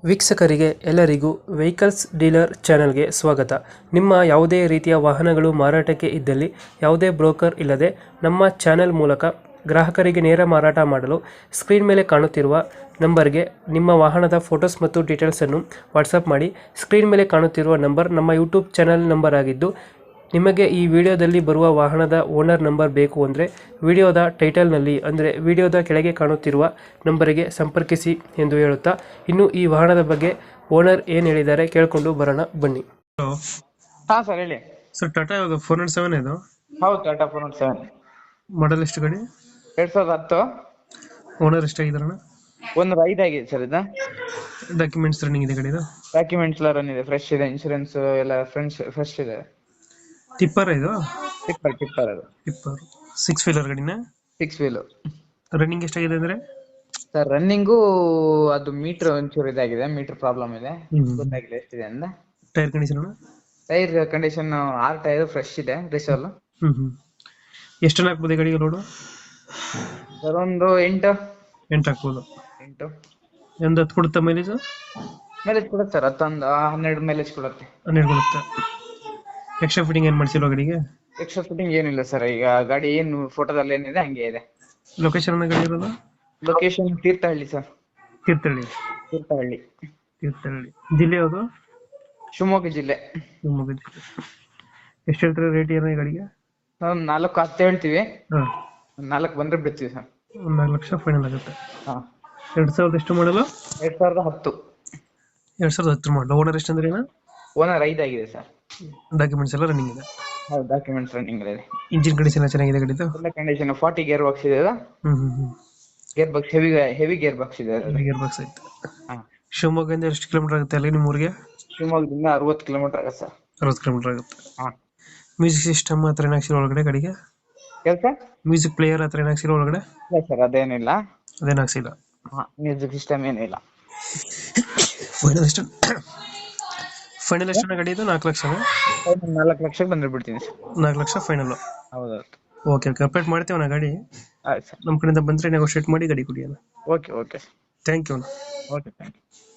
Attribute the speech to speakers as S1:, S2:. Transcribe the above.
S1: ವೀಕ್ಷಕರಿಗೆ ಎಲ್ಲರಿಗೂ vehicles dealer ಚಾನೆಲ್ಗೆ ಸ್ವಾಗತ. ನಿಮ್ಮ ಯಾವುದೇ ರೀತಿಯ ವಾಹನಗಳು ಮಾರಾಟಕ್ಕೆ ಇದ್ದಲ್ಲಿ ಯಾವುದೇ ಬ್ರೋಕರ್ ಇಲ್ಲದೆ ನಮ್ಮ ಚಾನೆಲ್ ಮೂಲಕ ಗ್ರಾಹಕರಿಗೆ ನೇರ ಮಾರಾಟ ಮಾಡಲು ಸ್ಕ್ರೀನ್ ಮೇಲೆ ಕಾಣುತ್ತಿರುವ ನಂಬರ್ಗೆ ನಿಮ್ಮ ವಾಹನದ ಫೋಟೋಸ್ ಮತ್ತು ಡೀಟೇಲ್ಸನ್ನು ವಾಟ್ಸಪ್ ಮಾಡಿ. ಸ್ಕ್ರೀನ್ ಮೇಲೆ ಕಾಣುತ್ತಿರುವ ನಂಬರ್ ನಮ್ಮ ಯೂಟ್ಯೂಬ್ ಚಾನೆಲ್ ನಂಬರ್ ಆಗಿದ್ದು, ನಿಮಗೆ ಈ ವಿಡಿಯೋದಲ್ಲಿ ಬರುವ ವಾಹನದ ಓನರ್ ನಂಬರ್ ಬೇಕು ಅಂದರೆ ವಿಡಿಯೋದ ಟೈಟಲ್ನಲ್ಲಿ ಅಂದರೆ ವಿಡಿಯೋದ ಕೆಳಗೆ ಕಾಣುತ್ತಿರುವ ನಂಬರಿಗೆ ಸಂಪರ್ಕಿಸಿ ಎಂದು ಹೇಳುತ್ತಾ, ಇನ್ನು ಈ ವಾಹನದ ಬಗ್ಗೆ ಓನರ್ ಏನು ಹೇಳಿದ್ದಾರೆ ಕೇಳಿಕೊಂಡು ಬರೋಣ ಬನ್ನಿ. ಹಲೋ
S2: ಹಾ ಸರ್ ಹೇಳಿ.
S1: ಸರ್, ಟಾಟಾ 407 ಇದು
S2: ಹೌದು ಟಾಟಾ 407
S1: ಮಾಡಲ್ ಎಷ್ಟು ಗಾಡಿ?
S2: 2010.
S1: ಓನರ್ ಎಷ್ಟಾಗಿದಾರಣ?
S2: ಒಂದು ರೈಡ್ ಆಗಿದೆ ಸರ್. ಇದು
S1: ಡಾಕ್ಯುಮೆಂಟ್ಸ್ ರನ್ನಿಂಗ್ ಇದೆ ಗಾಡಿದು?
S2: ಡಾಕ್ಯುಮೆಂಟ್ಸ್ ಎಲ್ಲ ರನ್ ಇದೆ, ಫ್ರೆಶ್ ಇದೆ, ಇನ್ಶೂರೆನ್ಸ್ ಎಲ್ಲ ಫ್ರೆಶ್ ಇದೆ.
S1: ಟಿಪ್ಪರ್ ಇದು?
S2: ಟಿಪ್ಪರ್ ಅದು.
S1: ಟಿಪ್ಪರ್ 6 ವೀಲರ್ ಗಾಡಿನ?
S2: 6 ವೀಲ್.
S1: ರನ್ನಿಂಗ್ ಎಷ್ಟಾಗಿದೆ ಅಂದ್ರೆ?
S2: ಸರ್ ರನ್ನಿಂಗು ಅದು ಮೀಟರ್ ಒಂಚೂರು ಇದಾಗಿದೆ, ಮೀಟರ್ ಪ್ರಾಬ್ಲಮ್ ಇದೆ, ಗೊತ್ತಾಗಿಲ್ಲ ಎಷ್ಟಿದೆ ಅಂತ.
S1: Tyre condition?
S2: Tyre condition 6 tyre fresh ಇದೆ, ರಿಸಲ್.
S1: ಎಷ್ಟು ಟನ್ ಹಾಕ್ಬೋದು ಗಾಡಿಗೆ ಲೋಡು?
S2: ಸರ್ ಒಂದು 8
S1: ಹಾಕ್ಬೋದು.
S2: 8
S1: ಒಂದು 10 ಕೊಡುತ್ತಾ ಮೈಲೇಜ್?
S2: ಮೈಲೇಜ್ ಕೊಡುತ್ತೆ ಸರ್, 12 ಮೈಲೇಜ್ ಕೊಡುತ್ತೆ.
S1: 12 ಕೊಡುತ್ತೆ. ಎಕ್ಸ್ಟ್ರಾ ಫಿಟ್ಟಿಂಗ್ ಏನು ಮಾಡಿಸಿಲ್ವ ಗಾಡಿಗೆ?
S2: ಎಕ್ಸ್ಟ್ರಾ ಫಿಟ್ಟಿಂಗ್ ಏನಿಲ್ಲ ಸರ್, ಈಗ ಗಾಡಿ ಏನು ಫೋಟೋದಲ್ಲಿ ಏನಿದೆ ಹಂಗೆ ಇದೆ.
S1: ಲೊಕೇಶನ್ ಗಾಡಿ ಇರೋದು?
S2: Location Thirthahalli sir.
S1: ತೀರ್ಥಹಳ್ಳಿ. ಜಿಲ್ಲೆ ಯಾವುದು?
S2: ಶಿವಮೊಗ್ಗ ಜಿಲ್ಲೆ.
S1: ಶಿವಮೊಗ್ಗ ಜಿಲ್ಲೆ. ಎಷ್ಟು ಹೇಳ್ತಾರೆ ರೇಟ್ ಏನೋ ಈ ಗಾಡಿಗೆ?
S2: ನಾವು 4-10 ಹೇಳ್ತೀವಿ.
S1: ಹಾಂ,
S2: 4 ಬಂದ್ರೆ ಬಿಡ್ತೀವಿ ಸರ್.
S1: ಒಂದು 4 ಲಕ್ಷ ಫೈನಲ್ ಆಗುತ್ತೆ.
S2: ಹಾಂ.
S1: 2000 ಎಷ್ಟು ಮಾಡಲು?
S2: 2010.
S1: 2010 ಮಾಡಲು. ಓನರ್ ಎಷ್ಟು ಅಂದ್ರೆ?
S2: ಓನರ್ 5 ಆಗಿದೆ ಸರ್.
S1: ಡಾಕ್ಯುಮೆಂಟ್ಸ್ ಎಲ್ಲ ರನ್ನಿಂಗ್ ಇದೆ?
S2: ಹೌದು, ಡಾಕ್ಯುಮೆಂಟ್ಸ್ ರನ್ನಿಂಗ್ ಇದೆ.
S1: ಇಂಜಿನ್ ಕಂಡೀಷನ್ ಚೆನ್ನಾಗಿದೆ ಗಾಡಿದು?
S2: ಎಲ್ಲ ಕಂಡೀಷನ್ 40 ಗೇರ್ ಬಾಕ್ಸ್ ಇದೆ. Gear box heavy gear box ಇದೆ.
S1: ಗೇರ್ ಬಾಕ್ಸ್ ಐತೆ.
S2: ಹಾಂ.
S1: ಶಿವಮೊಗ್ಗದಿಂದ ಎಷ್ಟು ಕಿಲೋಮೀಟರ್ ಆಗುತ್ತೆ ಅಲ್ಲಿ ನಿಮ್ಮ ಊರಿಗೆ?
S2: ಶಿವಮೊಗ್ಗದಿಂದ 60 ಕಿಲೋಮೀಟರ್ ಆಗುತ್ತೆ ಸರ್.
S1: 60 ಕಿಲೋಮೀಟರ್ ಆಗುತ್ತೆ.
S2: ಹಾಂ.
S1: ಮ್ಯೂಸಿಕ್ ಸಿಸ್ಟಮ್ ಹತ್ರ ಏನಾಗ್ಸಿರೋ ಒಳಗಡೆ ಗಾಡಿಗೆ?
S2: ಕೆಲಸ
S1: ಮ್ಯೂಸಿಕ್ ಪ್ಲೇಯರ್ ಹತ್ರ ಏನಾಗ್ಸಿರೋ ಒಳಗಡೆ?
S2: ಇಲ್ಲ ಸರ್, ಅದೇನಿಲ್ಲ.
S1: ಅದೇನಾಗ್ಸಿಲ್ಲ?
S2: ಹಾಂ, ಮ್ಯೂಸಿಕ್ ಸಿಸ್ಟಮ್ ಏನಿಲ್ಲ.
S1: ಫೈನಲ್ ಎಷ್ಟು ಗಾಡಿ ಇದು? 4 ಲಕ್ಷ?
S2: 4 ಲಕ್ಷಕ್ಕೆ ಬಂದ್ರೆ ಬಿಡ್ತೀನಿ ಸರ್.
S1: 4 ಲಕ್ಷ ಫೈನಲ್?
S2: ಹೌದೌದು.
S1: ಓಕೆ, ಅಪ್ಡೇಟ್ ಮಾಡ್ತೇವೆ ನಾ ಗಾಡಿ.
S2: ಆಯ್ತು ಸರ್.
S1: ನಮ್ಮ ಕಡೆಯಿಂದ ಬಂದರೆ ನೆಗೋಷಿಯೇಟ್ ಮಾಡಿ ಗಾಡಿ ಕೊಡಿ ಅಣ್ಣ.
S2: Okay
S1: thank you.
S2: Okay, thank you.